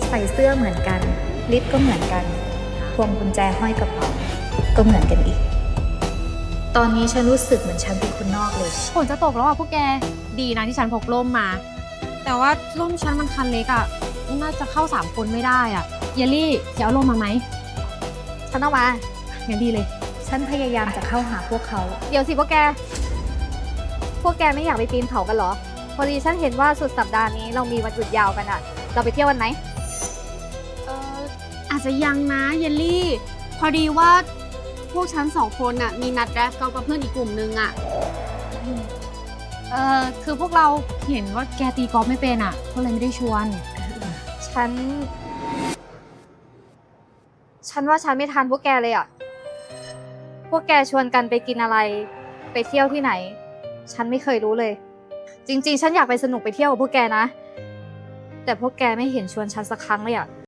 ใส่เสื้อเหมือนกัน ลิปก็เหมือนกัน พวงกุญแจห้อยกระเป๋าก็เหมือนกันอีก ตอนนี้ฉันรู้สึกเหมือนฉันเป็นคนนอกเลยฝนจะตกแล้วอ่ะพวกแก ดีนะที่ฉันพกร่มมา แต่ว่าร่มฉันมันคันเล็กอ่ะ น่าจะเข้า3 คนไม่ได้อ่ะ เยลลี่จะเอาร่มมาไหมฉันเอามางั้นดีเลยฉันพยายามจะเข้าหาพวกเขาเดี๋ยวสิพวกแก พวกแกไม่อยากไปปีนเขากันเหรอ พอดีฉันเห็นว่าสุดสัปดาห์นี้เรามีวันหยุดยาวกันอะเราไปเที่ยววันไหนอาจจะยังนะเยลลี่ พอดีว่าพวกฉัน2 คนน่ะมีนัดแรฟกอล์ฟกับเพื่อนอีกกลุ่มนึงอ่ะคือพวกเราเห็นว่าแกตีกอล์ฟไม่เป็นอ่ะ ก็เลยไม่ได้ชวนฉันว่าฉันไม่ทันพวกแกเลยอะพวกแกชวนกันไปกินอะไร ไปเที่ยวที่ไหน ฉันไม่เคยรู้เลย จริงๆ ฉันอยากไปสนุกไปเที่ยวกับพวกแกนะ แต่พวกแกไม่เห็นชวนฉันสักครั้งเลยอะ